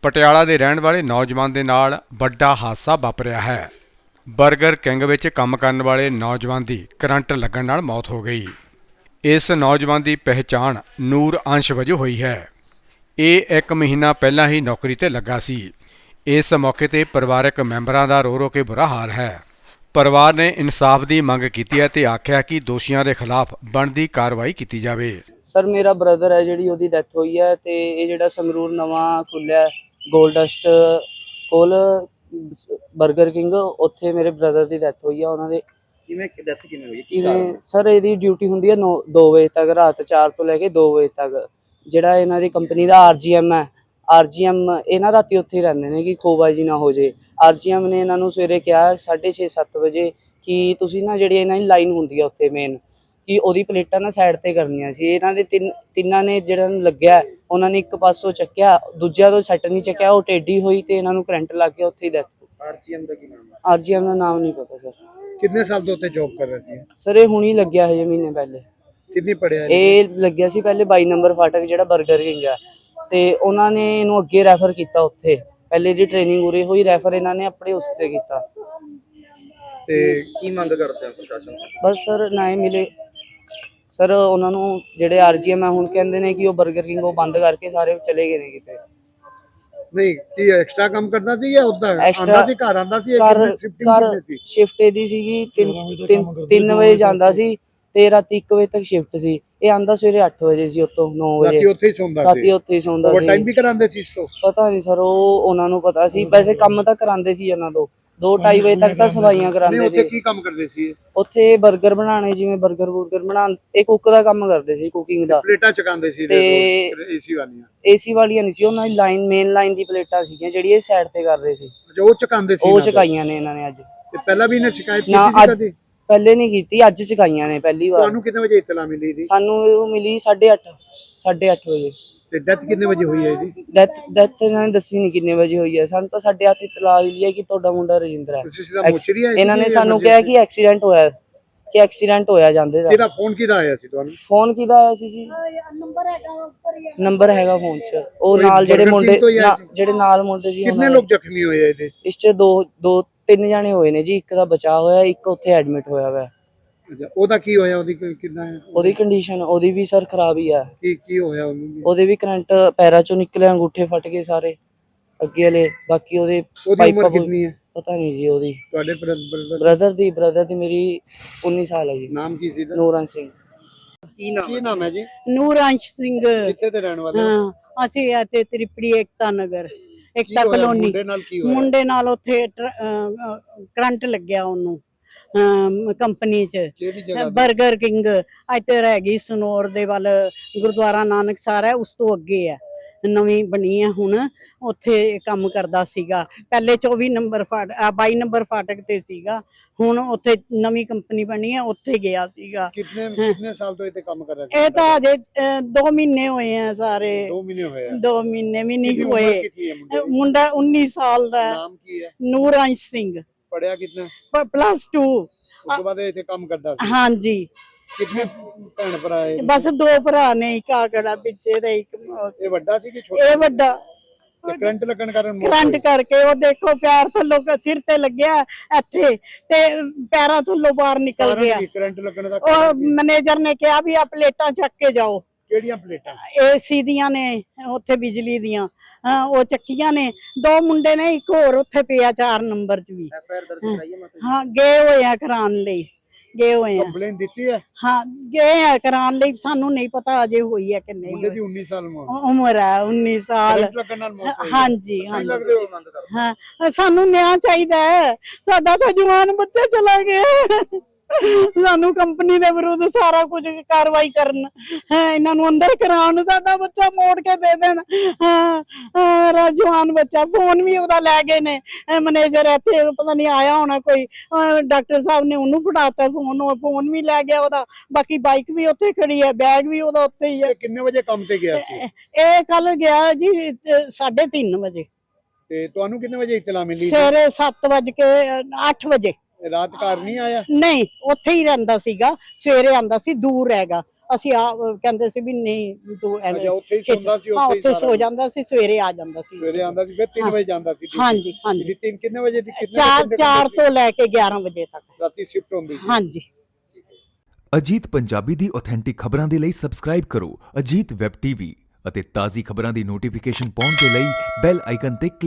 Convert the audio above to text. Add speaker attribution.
Speaker 1: ਪਟਿਆਲਾ ਦੇ ਰਹਿਣ ਵਾਲੇ ਨੌਜਵਾਨ ਦੇ ਨਾਲ ਵੱਡਾ ਹਾਦਸਾ ਵਾਪਰਿਆ ਹੈ। ਬਰਗਰ ਕਿੰਗ ਵਿੱਚ ਕੰਮ ਕਰਨ ਵਾਲੇ ਨੌਜਵਾਨ ਦੀ ਕਰੰਟ ਲੱਗਣ ਨਾਲ ਮੌਤ ਹੋ ਗਈ। ਇਸ ਨੌਜਵਾਨ ਦੀ ਪਹਿਚਾਣ ਨੂਰ ਅੰਸ਼ ਵਜੋਂ ਹੋਈ ਹੈ। ਇਹ 1 ਮਹੀਨਾ ਪਹਿਲਾਂ ਹੀ ਨੌਕਰੀ ਤੇ ਲੱਗਾ ਸੀ। ਇਸ ਮੌਕੇ ਤੇ ਪਰਿਵਾਰਕ ਮੈਂਬਰਾਂ ਦਾ ਰੋ ਕੇ ਬੁਰਾ ਹਾਲ ਹੈ। ਪਰਿਵਾਰ ਨੇ ਇਨਸਾਫ ਦੀ ਮੰਗ ਕੀਤੀ ਹੈ ਤੇ ਆਖਿਆ ਕਿ ਦੋਸ਼ੀਆਂ ਦੇ ਖਿਲਾਫ ਬਣਦੀ ਕਾਰਵਾਈ ਕੀਤੀ ਜਾਵੇ।
Speaker 2: ਸਰ ਮੇਰਾ ਬ੍ਰਦਰ ਹੈ ਜਿਹੜੀ ਉਹਦੀ ਡੈਥ ਹੋਈ ਹੈ ਤੇ ਇਹ ਜਿਹੜਾ ਸੰਗਰੂਰ ਨਵਾਂ ਖੁੱਲਿਆ ਗੋਲਡ ਡਸਟ ਕੋਲ ਬਰਗਰ ਕਿੰਗ ਉੱਥੇ ਮੇਰੇ ਬ੍ਰਦਰ ਦੀ ਡੈਥ ਹੋਈ ਹੈ। ਉਹਨਾਂ ਦੇ ਕਿਵੇਂ ਹੋਈ ਕਿਵੇਂ ਸਰ ਇਹਦੀ ਡਿਊਟੀ ਹੁੰਦੀ ਹੈ 2 ਵਜੇ ਤੱਕ, ਰਾਤ 4 ਤੋਂ ਲੈ ਕੇ 2 ਵਜੇ ਤੱਕ। ਜਿਹੜਾ ਇਹਨਾਂ ਦੀ ਕੰਪਨੀ ਦਾ ਆਰਜੀਐਮ ਹੈ, ਆਰਜੀਐਮ ਇਹਨਾਂ ਰਾਤੀ ਉੱਥੇ ਹੀ ਰਹਿੰਦੇ ਨੇ ਕਿ ਖੋਬਾਜੀ ਨਾ ਹੋ ਜੇ। ਆਰਜੀਐਮ ਨੇ ਇਹਨਾਂ ਨੂੰ ਸਵੇਰੇ ਕਿਹਾ 6:30-7 ਵਜੇ ਕਿ ਤੁਸੀਂ ਨਾ ਜਿਹੜੀ ਇਹਨਾਂ ਦੀ ਲਾਈਨ ਹੁੰਦੀ ਹੈ ਉੱਥੇ ਮੇਨ ਕਿ ਉਹਦੀ ਪਲੇਟਾਂ ਨਾ ਸਾਈਡ ਤੇ ਕਰਨੀਆਂ ਸੀ। ਇਹਨਾਂ ਦੇ ਤਿੰਨਾਂ ਨੇ ਜਿਹੜਾ ਨੂੰ ਲੱਗਿਆ ਉਹਨਾਂ ਨੇ ਇੱਕ ਪਾਸੋਂ ਚੱਕਿਆ, ਦੂਜਿਆਂ ਤੋਂ ਸੈੱਟ ਨਹੀਂ ਚੱਕਿਆ, ਉਹ ਟੇਢੀ ਹੋਈ ਤੇ ਇਹਨਾਂ ਨੂੰ ਕਰੰਟ ਲੱਗ ਗਿਆ, ਉੱਥੇ ਹੀ ਡੈਥ।
Speaker 3: ਆਰਜੀਐਮ ਦਾ ਕੀ ਨਾਮ ਹੈ?
Speaker 2: ਆਰਜੀਐਮ ਦਾ ਨਾਮ ਨਹੀਂ ਪਤਾ ਸਰ।
Speaker 3: ਕਿੰਨੇ ਸਾਲ ਤੋਂ ਉੱਥੇ ਜੌਬ ਕਰ ਰਹੇ ਸੀ
Speaker 2: ਸਰ? ਇਹ ਹੁਣੀ ਲੱਗਿਆ ਹਜੇ ਮਹੀਨੇ ਪਹਿਲੇ।
Speaker 3: ਕਿੰਨੀ ਪੜਿਆ
Speaker 2: ਇਹ ਲੱਗਿਆ ਸੀ ਪਹਿਲੇ 22 ਨੰਬਰ ਫਾਟਕ ਜਿਹੜਾ ਬਰਗਰ ਕਿੰਗ ਆ, ਤੇ ਉਹਨਾਂ ਨੇ ਇਹਨੂੰ ਅੱਗੇ ਰੈਫਰ ਕੀਤਾ ਉੱਥੇ। ਪਹਿਲੇ ਦੀ ਟ੍ਰੇਨਿੰਗ ਉਰੇ ਹੋਈ, ਰੈਫਰ ਇਹਨਾਂ ਨੇ ਆਪਣੇ ਉਸ ਤੇ ਕੀਤਾ।
Speaker 3: ਤੇ ਕੀ ਮੰਗ ਕਰਦੇ ਆ ਪ੍ਰਸ਼ਾਸਨ ਤੋਂ?
Speaker 2: ਬਸ ਸਰ ਨਾ ਹੀ ਮਿਲੇ ਸਰ ਉਹਨਾਂ ਨੂੰ। ਜਿਹੜੇ ਆਰਜੀਐਮ ਆ ਹੁਣ ਕਹਿੰਦੇ ਨੇ ਕਿ ਉਹ ਬਰਗਰ ਕਿੰਗ ਉਹ ਬੰਦ ਕਰਕੇ ਸਾਰੇ ਚਲੇ ਗਏ ਨੇ ਕਿਤੇ।
Speaker 3: ਨਹੀਂ ਕੀ ਐਕਸਟਰਾ ਕੰਮ ਕਰਦਾ ਸੀ ਜਾਂ ਉਦਾਂ ਆਂਦਾ ਸੀ, ਘਰ ਆਂਦਾ ਸੀ?
Speaker 2: ਸ਼ਿਫਟ ਇਹਦੀ ਸੀਗੀ 3 ਵਜੇ ਜਾਂਦਾ ਸੀ ਤੇ ਰਾਤੀ 1 ਵਜੇ ਤੱਕ ਸ਼ਿਫਟ ਸੀ। ਇਹ ਆਂਦਾ ਸਵੇਰੇ 8 ਵਜੇ ਸੀ, ਉੱਥੋਂ 9 ਵਜੇ
Speaker 3: ਰਾਤੀ ਉੱਥੇ ਹੀ ਸੌਂਦਾ ਸੀ।
Speaker 2: ਰਾਤੀ ਉੱਥੇ ਹੀ ਸੌਂਦਾ ਸੀ।
Speaker 3: ਓਵਰਟਾਈਮ ਵੀ ਕਰਾਉਂਦੇ ਸੀ ਇਸ ਤੋਂ?
Speaker 2: ਪਤਾ ਨਹੀਂ ਸਰ, ਉਹ ਉਹਨਾਂ ਨੂੰ ਪਤਾ ਸੀ। ਵੈਸੇ ਕੰਮ ਤਾਂ ਕਰਾਉਂਦੇ ਸੀ ਉਹਨਾਂ ਤੋਂ 2-2:30 ਵਜੇ ਤੱਕ ਤਾਂ ਸਫਾਈਆਂ ਕਰਾਉਂਦੇ ਸੀ।
Speaker 3: ਉੱਥੇ ਕੀ ਕੰਮ ਕਰਦੇ ਸੀ?
Speaker 2: ਉੱਥੇ ਬਰਗਰ ਬਣਾਉਣੇ, ਜਿਵੇਂ ਬਰਗਰ ਬਣਾਉਣ, ਇਹ ਕੁੱਕ ਦਾ ਕੰਮ ਕਰਦੇ ਸੀ, ਕੁਕਿੰਗ ਦਾ।
Speaker 3: ਪਲੇਟਾਂ ਚਕਾਉਂਦੇ ਸੀ
Speaker 2: ਤੇ
Speaker 3: ਏਸੀ ਵਾਲੀਆਂ?
Speaker 2: ਏਸੀ ਵਾਲੀਆਂ ਨਹੀਂ ਸੀ, ਉਹਨਾਂ ਦੀ ਲਾਈਨ ਮੇਨ ਲਾਈਨ ਦੀ ਪਲੇਟਾਂ ਸੀਗੀਆਂ ਜਿਹੜੀ ਇਹ ਸਾਈਡ ਤੇ ਕਰ ਰਹੇ ਸੀ।
Speaker 3: ਉਹ ਚਕਾਉਂਦੇ ਸੀ?
Speaker 2: ਉਹ ਚਕਾਈਆਂ ਨੇ ਇਹਨਾਂ ਨੇ ਅੱਜ।
Speaker 3: ਤੇ ਪਹਿਲਾਂ ਵੀ ਇਹਨੇ ਸ਼ਿਕਾਇਤ ਕੀਤੀ ਸੀ ਕਦੇ?
Speaker 2: ਪਹਿਲੇ ਨਹੀਂ ਕੀਤੀ, ਅੱਜ ਚਕਾਈਆਂ ਨੇ ਪਹਿਲੀ ਵਾਰ।
Speaker 3: ਤੁਹਾਨੂੰ ਕਿੰਨੇ ਵਜੇ ਇਤਲਾ ਮਿਲੀ ਸੀ?
Speaker 2: ਸਾਨੂੰ ਮਿਲੀ 8:30 ਵਜੇ।
Speaker 3: ਤੇ ਡੈਥ ਕਿੰਨੇ ਵਜੇ ਹੋਈ ਹੈ ਇਹਦੀ?
Speaker 2: ਡੈਥ ਇਹਨਾਂ ਨੇ ਦੱਸੀ ਨਹੀਂ ਕਿੰਨੇ ਵਜੇ ਹੋਈ ਹੈ। ਸਾਨੂੰ ਤਾਂ 8:30 ਇਤਲਾਹ ਮਿਲੀ ਹੈ ਕਿ ਤੁਹਾਡਾ ਮੁੰਡਾ ਰਜਿੰਦਰ ਹੈ। ਇਹਨਾਂ ਨੇ ਸਾਨੂੰ ਕਿਹਾ ਕਿ ਐਕਸੀਡੈਂਟ ਹੋਇਆ ਜਾਂਦੇ ਦਾ।
Speaker 3: ਕਿਹਦਾ ਫੋਨ ਕਿਹਦਾ ਆਇਆ ਸੀ ਤੁਹਾਨੂੰ?
Speaker 2: ਫੋਨ ਕਿਹਦਾ ਆਇਆ ਸੀ ਜੀ? ਨੰਬਰ ਹੈਗਾ ਫੋਨ 'ਚ। ਉਹ ਨਾਲ ਜਿਹੜੇ ਨਾਲ ਮੁੰਡੇ ਸੀ।
Speaker 3: ਕਿੰਨੇ ਲੋਕ ਜ਼ਖਮੀ ਹੋਏ ਇਹਦੇ?
Speaker 2: ਇਸ 'ਚ 2-3 ਜਾਣੇ ਹੋਏ ਨੇ ਜੀ। ਇੱਕ ਦਾ ਬਚਾਅ ਹੋਇਆ, ਇੱਕ ਉੱਥੇ ਐਡਮਿਟ ਹੋਇਆ ਵਾ।
Speaker 3: ਅੱਛਾ, ਉਹਦਾ ਕੀ ਹੋਇਆ? ਉਹਦੀ ਕਿੱਦਾਂ ਹੈ?
Speaker 2: ਉਹਦੀ ਕੰਡੀਸ਼ਨ ਉਹਦੀ ਵੀ ਸਰ ਖਰਾਬ ਹੀ ਆ।
Speaker 3: ਕੀ ਹੋਇਆ ਉਹਨੂੰ?
Speaker 2: ਉਹਦੇ ਵੀ ਕਰੰਟ ਪੈਰਾਂ ਚੋਂ ਨਿਕਲੇ, ਅੰਗੂਠੇ ਫਟ ਗਏ ਸਾਰੇ ਅੱਗੇ ਵਾਲੇ। ਬਾਕੀ ਉਹਦੀ
Speaker 3: ਉਮਰ ਕਿੰਨੀ ਹੈ
Speaker 2: ਪਤਾ ਨਹੀਂ ਜੀ। ਉਹਦੀ
Speaker 3: ਤੁਹਾਡੇ
Speaker 2: ਬ੍ਰਦਰ ਦੀ ਮੇਰੀ 19 ਸਾਲ ਹੈ ਜੀ।
Speaker 3: ਨਾਮ ਕੀ ਸੀ?
Speaker 2: ਨੂਰਨ ਸਿੰਘ।
Speaker 3: ਕੀ ਨਾਮ ਹੈ ਜੀ?
Speaker 4: ਨੂਰਾਂਸ਼ ਸਿੰਘ।
Speaker 3: ਕਿੱਥੇ ਦੇ ਰਹਿਣ ਵਾਲੇ?
Speaker 4: ਹਾਂ, ਅਸੀਂ ਇੱਥੇ ਤ੍ਰਿਪੜੀ ਏਕਤਾ ਨਗਰ, ਏਕਤਾ ਕਲੋਨੀ।
Speaker 3: ਮੁੰਡੇ ਨਾਲ ਕੀ ਹੋਇਆ?
Speaker 4: ਮੁੰਡੇ ਨਾਲ ਉੱਥੇ ਕਰੰਟ ਲੱਗਿਆ ਉਹਨੂੰ ਕੰਪਨੀ 'ਚ,
Speaker 3: ਕਿਹੜੀ ਜਗ੍ਹਾ?
Speaker 4: Burger King. ਇੱਥੇ ਰਹਿ ਗਈ ਸਨੌਰ ਦੇ ਵੱਲ, ਗੁਰਦੁਆਰਾ ਨਾਨਕਸਰ ਹੈ, ਉਸ ਤੋਂ ਅੱਗੇ ਹੈ, ਨਵੀਂ ਬਣੀ ਹੈ ਹੁਣ। ਉੱਥੇ ਕੰਮ ਕਰਦਾ ਸੀਗਾ ਪਹਿਲੇ 22 ਨੰਬਰ ਫਾਟਕ ਤੇ ਸੀਗਾ। ਹੁਣ ਉੱਥੇ ਨਵੀਂ ਕੰਪਨੀ ਬਣੀ ਹੈ, ਉੱਥੇ ਗਿਆ ਸੀਗਾ।
Speaker 3: ਕਿੰਨੇ ਸਾਲ ਤੋਂ ਇੱਥੇ ਕੰਮ ਕਰ ਰਿਹਾ ਸੀ?
Speaker 4: ਇਹ ਤਾਂ ਅਜੇ 2 ਮਹੀਨੇ ਹੋਏ ਆ ਸਾਰੇ।
Speaker 3: 2 ਮਹੀਨੇ ਹੋਏ?
Speaker 4: 2 ਮਹੀਨੇ ਵੀ ਨਹੀਂ ਹੋਏ। ਮੁੰਡਾ 19 ਸਾਲ ਦਾ।
Speaker 3: ਨਾਮ ਕੀ ਹੈ?
Speaker 4: ਨੂਰਾਂਸ਼ ਸਿੰਘ।
Speaker 3: ਪੜਿਆ ਕਿੰਨਾ?
Speaker 4: +2।
Speaker 3: ਉਸ ਤੋਂ ਬਾਅਦ ਇੱਥੇ ਕੰਮ ਕਰਦਾ ਸੀ?
Speaker 4: ਹਾਂਜੀ।
Speaker 3: ਕਿੰਨੇ ਭੈਣ ਭਰਾ ਹੈ?
Speaker 4: ਬਸ 2 ਭਰਾ ਨੇ, ਇੱਕ ਆਗੜਾ ਪਿੱਛੇ ਤੇ ਇੱਕ।
Speaker 3: ਇਹ ਵੱਡਾ ਸੀ ਕਿ ਛੋਟਾ?
Speaker 4: ਇਹ ਵੱਡਾ।
Speaker 3: ਕਰੰਟ ਲੱਗਣ ਕਾਰਨ
Speaker 4: ਕਰੰਟ ਕਰਕੇ ਉਹ ਦੇਖੋ ਪੈਰ ਥੱਲੋਂ ਸਿਰ ਤੇ ਲੱਗਿਆ ਇੱਥੇ ਤੇ ਪੈਰਾਂ ਥੱਲੋਂ ਬਾਹਰ ਨਿਕਲ ਗਿਆ।
Speaker 3: ਕਰੰਟ ਲੱਗਣ ਦਾ
Speaker 4: ਉਹ ਮੈਨੇਜਰ ਨੇ ਕਿਹਾ ਵੀ ਆ ਪਲੇਟਾਂ ਚੱਕ ਕੇ ਜਾਓ।
Speaker 3: ਕਿਹੜੀਆਂ ਪਲੇਟਾਂ?
Speaker 4: ਏਸੀ ਦੀਆਂ ਨੇ, ਉੱਥੇ ਬਿਜਲੀ ਦੀਆਂ। ਉਹ ਚੱਕੀਆਂ ਨੇ। 2 ਮੁੰਡੇ ਨੇ, ਇੱਕ ਹੋਰ ਉੱਥੇ ਪਿਆ 4 ਨੰਬਰ 'ਚ ਵੀ। ਹਾਂ, ਗਏ ਹੋਏ ਆ ਕਰਾਉਣ ਲਈ, ਗਏ ਹੋਏ ਆ।
Speaker 3: ਕੰਪਲੇਨ ਦਿੱਤੀ ਹੈ?
Speaker 4: ਹਾਂ, ਗਏ ਆ ਕਰਾਉਣ ਲਈ। ਸਾਨੂੰ ਨਹੀਂ ਪਤਾ ਅਜੇ ਹੋਈ ਹੈ ਕਿ ਨਹੀਂ।
Speaker 3: ਮੁੰਡੇ ਦੀ 19 ਸਾਲ
Speaker 4: ਉਮਰ ਹੈ, 19 ਸਾਲ। ਹਾਂਜੀ ਹਾਂ, ਸਾਨੂੰ ਨਿਆਂ ਚਾਹੀਦਾ ਹੈ। ਸਾਡਾ ਤਾਂ ਜਵਾਨ ਬੱਚਾ ਚਲਾ ਗਿਆ। ਸਾਨੂੰ ਕੰਪਨੀ ਦੇ ਵਿਰੁੱਧ ਸਾਰਾ ਕੁਝ ਕਾਰਵਾਈ ਕਰਨ, ਇਹਨਾਂ ਨੂੰ ਅੰਦਰ ਕਰਾਉਣ, ਸਾਡਾ ਬੱਚਾ ਮੋੜ ਕੇ ਦੇ ਦੇਣ। ਜਵਾਨ ਬੱਚਾ। ਫੋਨ ਵੀ ਉਹਦਾ ਲੈ ਗਏ ਨੇ ਮੈਨੇਜਰ, ਇੱਥੇ ਪਤਾ ਨਹੀਂ ਆਇਆ ਹੋਣਾ ਕੋਈ, ਡਾਕਟਰ ਸਾਹਿਬ ਨੇ ਉਹਨੂੰ ਫੜਾਤਾ ਫੋਨ ਵੀ ਲੈ ਗਿਆ ਉਹਦਾ। ਬਾਕੀ ਬਾਈਕ ਵੀ ਉੱਥੇ ਖੜੀ ਹੈ, ਬੈਗ ਵੀ ਉਹਦਾ ਉੱਥੇ ਹੀ ਹੈ।
Speaker 3: ਕਿੰਨੇ ਵਜੇ ਕੰਮ ਤੇ ਗਿਆ ਸੀ
Speaker 4: ਇਹ? ਕੱਲ ਗਿਆ ਜੀ 3:30 ਵਜੇ।
Speaker 3: ਤੇ ਤੁਹਾਨੂੰ ਕਿੰਨੇ ਵਜੇ ਇਤਲਾ ਮਿਲੀ?
Speaker 4: ਸਵੇਰੇ 8 ਵਜੇ।
Speaker 3: ਰਾਤ ਘਰ ਨਹੀਂ ਆਇਆ?
Speaker 4: ਨਹੀਂ, ਉੱਥੇ ਹੀ ਰਹਿੰਦਾ ਸੀਗਾ। ਸਵੇਰੇ ਆਂਦਾ ਸੀ, ਦੂਰ ਹੈਗਾ। ਅਸੀਂ ਆ ਕਹਿੰਦੇ ਸੀ ਵੀ ਨਹੀਂ ਵੀ ਤੂੰ ਐਵੇਂ
Speaker 3: ਅੱਛਾ, ਉੱਥੇ ਹੀ ਸੌਂਦਾ ਸੀ,
Speaker 4: ਹਾਂ
Speaker 3: ਉੱਥੇ ਹੀ
Speaker 4: ਉੱਥੇ
Speaker 3: ਸਾਰਾ
Speaker 4: ਸੋ ਜਾਂਦਾ ਸੀ, ਸਵੇਰੇ ਆ ਜਾਂਦਾ ਸੀ।
Speaker 3: ਸਵੇਰੇ ਆਂਦਾ ਸੀ, ਫਿਰ 3 ਵਜੇ ਜਾਂਦਾ ਸੀ।
Speaker 4: ਹਾਂਜੀ ਹਾਂਜੀ,
Speaker 3: ਜੀ 3 ਕਿੰਨੇ ਵਜੇ ਦੀ ਕਿੰਨੇ
Speaker 4: 4 ਤੋਂ ਲੈ ਕੇ 11 ਵਜੇ ਤੱਕ।
Speaker 3: ਰਾਤੀ ਸ਼ਿਫਟ ਹੁੰਦੀ ਸੀ।
Speaker 4: ਹਾਂਜੀ।
Speaker 5: ਅਜੀਤ ਪੰਜਾਬੀ ਦੀ ਆਥੈਂਟਿਕ ਖਬਰਾਂ ਦੇ ਲਈ ਸਬਸਕ੍ਰਾਈਬ ਕਰੋ ਅਜੀਤ ਵੈਬ ਟੀਵੀ ਅਤੇ ਤਾਜ਼ੀ ਖਬਰਾਂ ਦੀ ਨੋਟੀਫਿਕੇਸ਼ਨ ਪਾਉਣ ਦੇ ਲਈ ਬੈਲ ਆਈਕਨ ਤੇ